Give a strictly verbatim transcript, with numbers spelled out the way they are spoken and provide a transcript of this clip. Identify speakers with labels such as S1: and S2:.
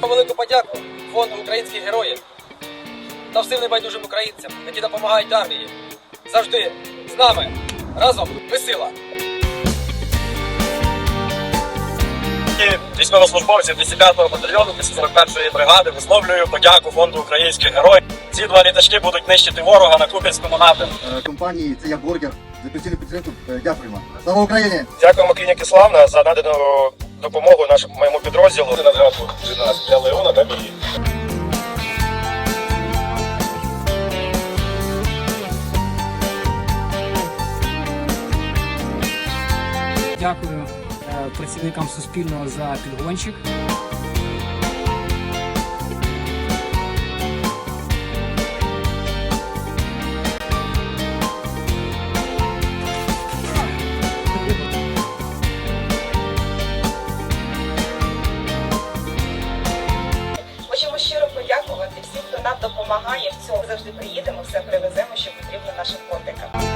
S1: Велику подяку фонду українських героїв та всім небайдужим українцям, які допомагають армії. Завжди з нами. Разом ми сила.
S2: Військовослужбовців двісті п'ятого батальйону двісті сорок першої бригади висловлюю подяку фонду українських героїв. Ці два літачки будуть нищити ворога на Куп'янському напрямку.
S3: Компанії «Це я бургер» за постійну підтримку. Дякуємо. Слава Україні!
S2: Дякуємо клініки Славна за надану допомогу нашому моєму підрозділу. На згадку для Леона та Мії.
S4: Дякую працівникам Суспільного за підгончик.
S5: Хочемо щиро подякувати всім, хто нам допомагає в цьому. Завжди приїдемо, все привеземо, що потрібно нашим котикам.